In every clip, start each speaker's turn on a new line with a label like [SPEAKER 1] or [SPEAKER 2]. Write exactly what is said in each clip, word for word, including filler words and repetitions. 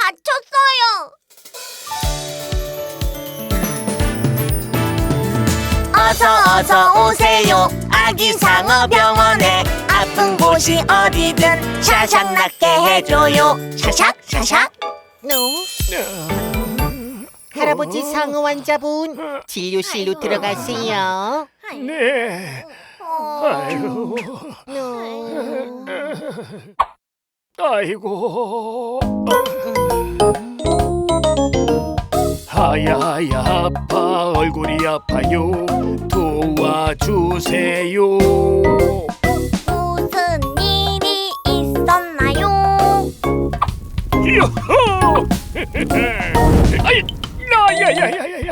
[SPEAKER 1] 다쳤어요. 어서 어서 오세요. 아기 상어 병원에 아픈 곳이 어디든 샤샥 낫게 해줘요. 샤샥 샤샥.
[SPEAKER 2] 할아버지 상어 환자분 진료실로 들어가세요.
[SPEAKER 3] 네. 아이고. 아이고. 하야야 아파 얼굴이 아파요. 도와주세요.
[SPEAKER 1] 무슨 일이 있었나요?
[SPEAKER 3] 요호! 아이, 야야야야야야.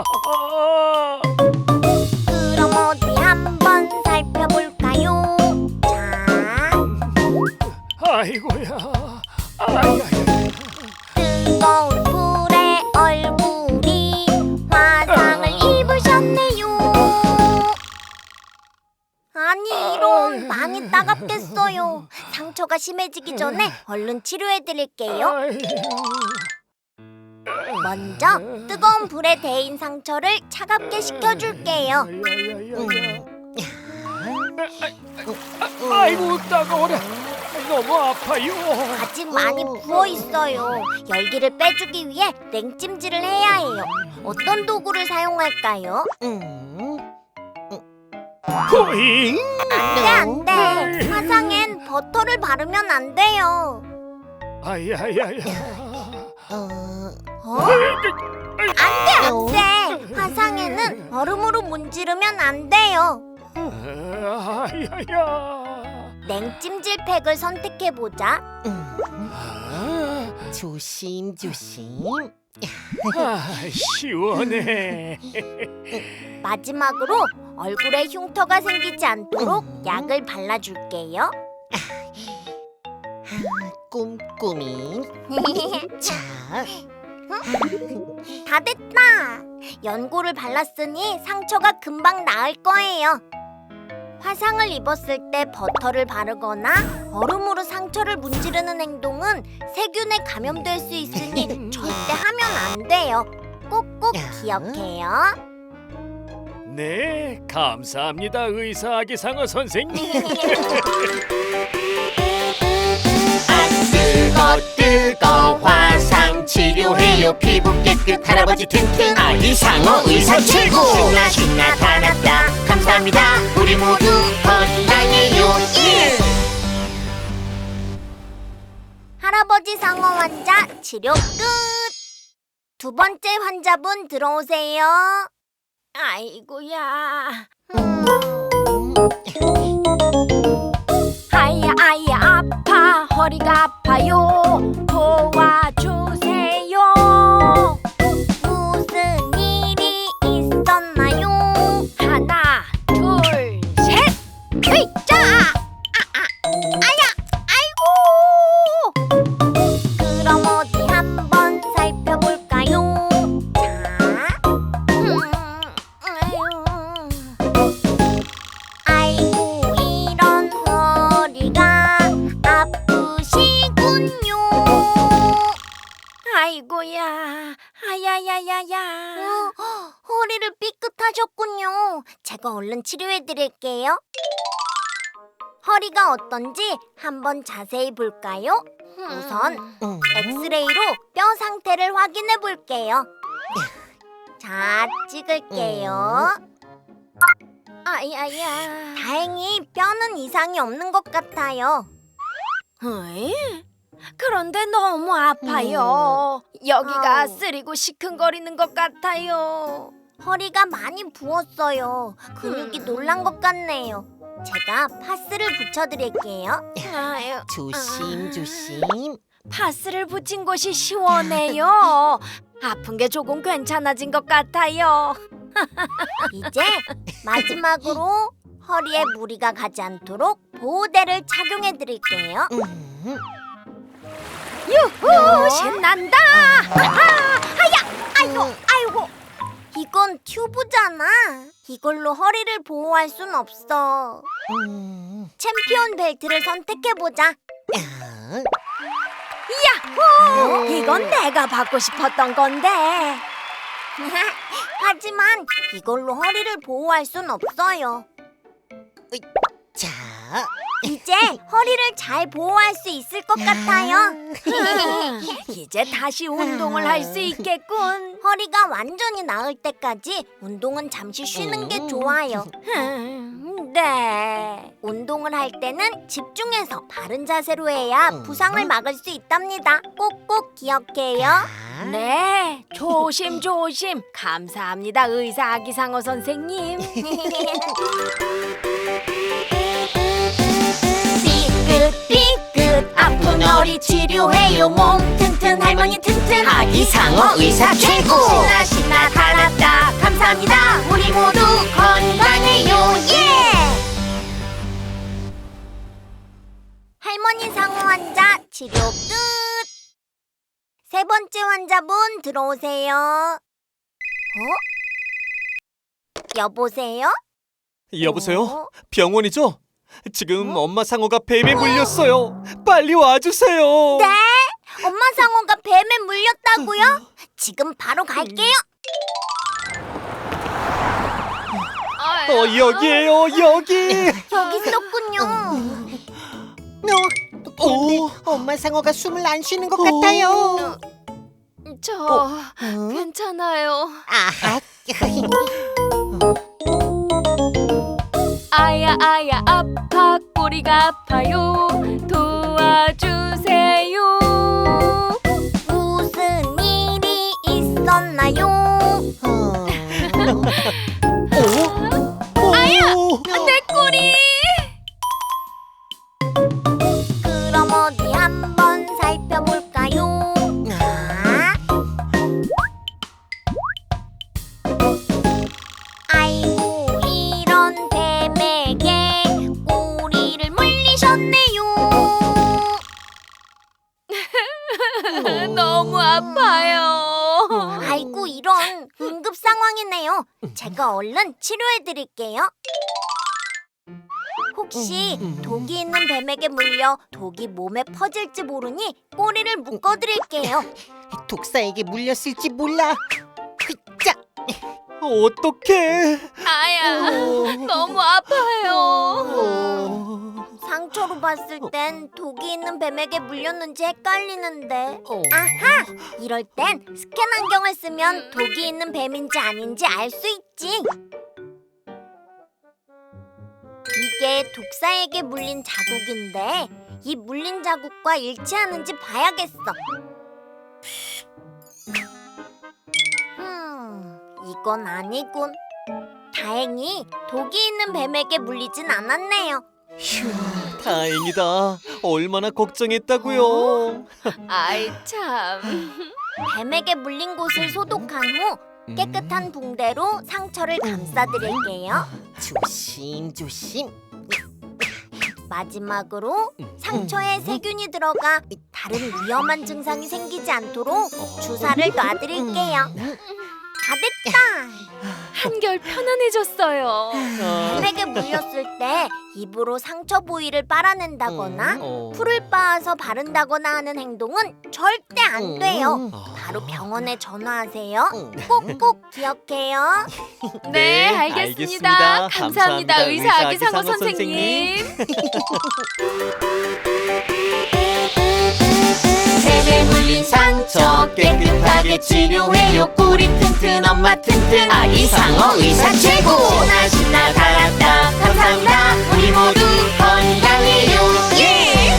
[SPEAKER 1] 그럼 어디 한번 살펴볼까요? 자,
[SPEAKER 3] 아이고야. 아야야.
[SPEAKER 1] 뜨거운 불에 얼굴이 화상을 입으셨네요. 아니 이런, 많이 따갑겠어요. 상처가 심해지기 전에 얼른 치료해드릴게요. 먼저 뜨거운 불에 데인 상처를 차갑게 식혀줄게요.
[SPEAKER 3] 아이고 따가워라. 너무 아파요.
[SPEAKER 1] 아직 많이 부어있어요. 열기를 빼주기 위해 냉찜질을 해야 해요. 어떤 도구를 사용할까요?
[SPEAKER 3] 호잉.
[SPEAKER 1] 안돼 안돼, 화상엔 버터를 바르면 안 돼요.
[SPEAKER 3] 아야야야.
[SPEAKER 1] 어? 안돼 안돼, 화상에는 얼음으로 문지르면 안 돼요.
[SPEAKER 3] 아야야.
[SPEAKER 1] 냉찜질 팩을 선택해보자.
[SPEAKER 2] 조심 조심.
[SPEAKER 3] 아, 시원해.
[SPEAKER 1] 마지막으로 얼굴에 흉터가 생기지 않도록 약을 발라줄게요.
[SPEAKER 2] 꼼꼼히. 자,
[SPEAKER 1] 다 됐다. 연고를 발랐으니 상처가 금방 나을 거예요. 화상을 입었을 때 버터를 바르거나 얼음으로 상처를 문지르는 행동은 세균에 감염될 수 있으니 절대 하면 안 돼요. 꼭꼭 기억해요.
[SPEAKER 3] 네, 감사합니다, 의사 아기상어 선생님.
[SPEAKER 2] 아 뜨거 뜨거 화상 치료해요. 피부 깨끗 할아버지 튼튼 아기 상어 의사 최고. 신나 신나 다 났다. 감사합니다. 우리 모두 건강해요. 예!
[SPEAKER 1] 할아버지 상어 환자 치료 끝. 두 번째 환자분 들어오세요. 아이고야. 음. 아야 아야 아파, 허리가 아파요. 도와주세요. 무슨 일이 있었나요? 하나 둘 셋. 으이짜. 아, 아, 아야 아이고. 그럼 어디 한번 살펴볼까요? 자, 음, 아유. 아이고 이런 허리가 아프시군요. 아이고야, 아야야야야. 어, 허리를 삐끗하셨군요. 제가 얼른 치료해드릴게요. 허리가 어떤지 한번 자세히 볼까요? 우선 엑스레이로 뼈 상태를 확인해 볼게요. 자, 찍을게요. 아야야. 다행히 뼈는 이상이 없는 것 같아요.
[SPEAKER 4] 에이? 그런데 너무 아파요. 여기가
[SPEAKER 1] 아우.
[SPEAKER 4] 쓰리고 시큰거리는 것 같아요.
[SPEAKER 1] 허리가 많이 부었어요. 근육이 놀란 것 같네요. 제가 파스를 붙여드릴게요.
[SPEAKER 4] 아유,
[SPEAKER 2] 조심 조심.
[SPEAKER 4] 파스를 붙인 곳이 시원해요. 아픈 게 조금 괜찮아진 것 같아요.
[SPEAKER 1] 이제 마지막으로 허리에 무리가 가지 않도록 보호대를 착용해드릴게요.
[SPEAKER 2] 음,
[SPEAKER 4] 유후, 신난다.
[SPEAKER 1] 아이고, 아이고. 이건 튜브잖아. 이걸로 허리를 보호할 순 없어.
[SPEAKER 2] 음.
[SPEAKER 1] 챔피언 벨트를 선택해보자.
[SPEAKER 2] 아,
[SPEAKER 4] 야호! 이건 내가 받고 싶었던 건데.
[SPEAKER 1] 하지만 이걸로 허리를 보호할 순 없어요.
[SPEAKER 2] 자,
[SPEAKER 1] 이제 허리를 잘 보호할 수 있을 것 같아요.
[SPEAKER 4] 이제 다시 운동을 할 수 있겠군.
[SPEAKER 1] 허리가 완전히 나을 때까지 운동은 잠시 쉬는 게 좋아요.
[SPEAKER 4] 음, 네.
[SPEAKER 1] 운동을 할 때는 집중해서 바른 자세로 해야 부상을 막을 수 있답니다. 꼭꼭 기억해요.
[SPEAKER 4] 네, 조심 조심. 감사합니다, 의사 아기상어 선생님.
[SPEAKER 1] 삐끗삐끗 아픈 허리 치료해요. 몸 튼튼 할머니 튼튼
[SPEAKER 2] 아기상어 의사 최고.
[SPEAKER 1] 신나 신나 다 났다. 감사합니다. 우리 모두 건강해요. 예! 할머니 상어 환자 치료 끝. 세 번째 환자분 들어오세요. 어? 여보세요?
[SPEAKER 5] 여보세요?
[SPEAKER 1] 어?
[SPEAKER 5] 병원이죠? 지금 엄마 상어가 뱀에 물렸어요. 빨리 와주세요.
[SPEAKER 1] 네? 엄마 상어가 뱀에 물렸다고요? 지금 바로 갈게요.
[SPEAKER 5] 어 여기에요 여기.
[SPEAKER 1] 여기 있었군요.
[SPEAKER 2] 너,
[SPEAKER 5] 오.
[SPEAKER 2] 엄마 상어가 숨을 안 쉬는 것 같아요.
[SPEAKER 4] 저 괜찮아요.
[SPEAKER 2] 아하.
[SPEAKER 4] 아야 아야 아파 꼬리가 아파요. 도와주세요.
[SPEAKER 1] 무슨 일이 있었나요?
[SPEAKER 5] 아야.
[SPEAKER 4] 내 꼬리.
[SPEAKER 1] 그럼 어디 한번 살펴볼까요? 아? 아이고 이런 뱀에게 꼬리를 물리셨네요.
[SPEAKER 4] 너무 아파요.
[SPEAKER 1] 아이고 이런 응급 상황이네요. 제가 얼른 치료해 드릴게요. 혹시 독이 있는 뱀에게 물려 독이 몸에 퍼질지 모르니 꼬리를 묶어 드릴게요.
[SPEAKER 2] 독사에게 물렸을지 몰라. 휘짜.
[SPEAKER 5] 어떡해.
[SPEAKER 4] 아야, 너무 아파요.
[SPEAKER 5] 어.
[SPEAKER 1] 상처로 봤을 땐 독이 있는 뱀에게 물렸는지 헷갈리는데.
[SPEAKER 2] 어.
[SPEAKER 1] 아하! 이럴 땐 스캔 안경을 쓰면 독이 있는 뱀인지 아닌지 알 수 있지. 이게 독사에게 물린 자국인데 이 물린 자국과 일치하는지 봐야겠어. 음, 이건 아니군. 다행히 독이 있는 뱀에게 물리진 않았네요.
[SPEAKER 5] 휴, 다행이다. 얼마나 걱정했다고요.
[SPEAKER 4] 아이 참.
[SPEAKER 1] 뱀에게 물린 곳을 소독한 후 깨끗한 붕대로 상처를 감싸드릴게요.
[SPEAKER 2] 조심 조심.
[SPEAKER 1] 마지막으로 상처에 세균이 들어가 다른 위험한 증상이 생기지 않도록 주사를 놔드릴게요. 다 됐다.
[SPEAKER 4] 한결 편안해졌어요.
[SPEAKER 1] 뱀에게 물렸을 때 입으로 상처 부위를 빨아낸다거나
[SPEAKER 5] 어.
[SPEAKER 1] 풀을 빻아서 바른다거나 하는 행동은 절대 안 돼요.
[SPEAKER 5] 어.
[SPEAKER 1] 바로 병원에 전화하세요. 꼭꼭 기억해요.
[SPEAKER 4] 네,
[SPEAKER 5] 네,
[SPEAKER 4] 알겠습니다.
[SPEAKER 5] 알겠습니다.
[SPEAKER 4] 감사합니다,
[SPEAKER 5] 감사합니다,
[SPEAKER 4] 의사 아기상어
[SPEAKER 5] 의사 아기상어
[SPEAKER 4] 선생님.
[SPEAKER 2] 뱀에 물린 상처 깨끗하게 치료해요. 꼬리 튼튼 엄마 튼튼 아기상어 의사 최고. 신나 신나 다 났다. 감사합니다. 우리 모두 건강해요. 예!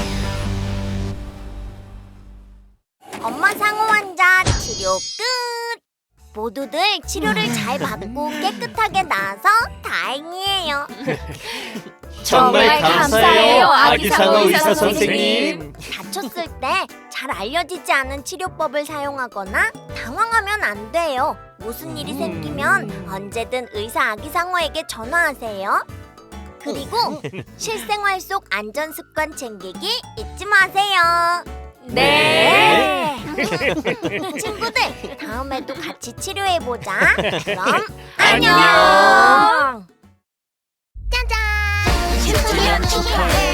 [SPEAKER 1] 엄마 상어 환자 치료 끝! 모두들 치료를 잘 받고 깨끗하게 나아서 다행이에요.
[SPEAKER 5] 정말 감사해요, 아기상어 의사
[SPEAKER 4] 선생님.
[SPEAKER 1] 다쳤을 때 잘 알려지지 않은 치료법을 사용하거나 당황하면 안 돼요. 무슨 일이 생기면 언제든 의사 아기상어에게 전화하세요. 그리고 실생활 속 안전 습관 챙기기 잊지 마세요.
[SPEAKER 4] 네.
[SPEAKER 1] 친구들, 다음에도 같이 치료해보자. 그럼
[SPEAKER 5] 안녕.
[SPEAKER 1] 안녕. 짜잔!
[SPEAKER 2] 십 주년 축하해.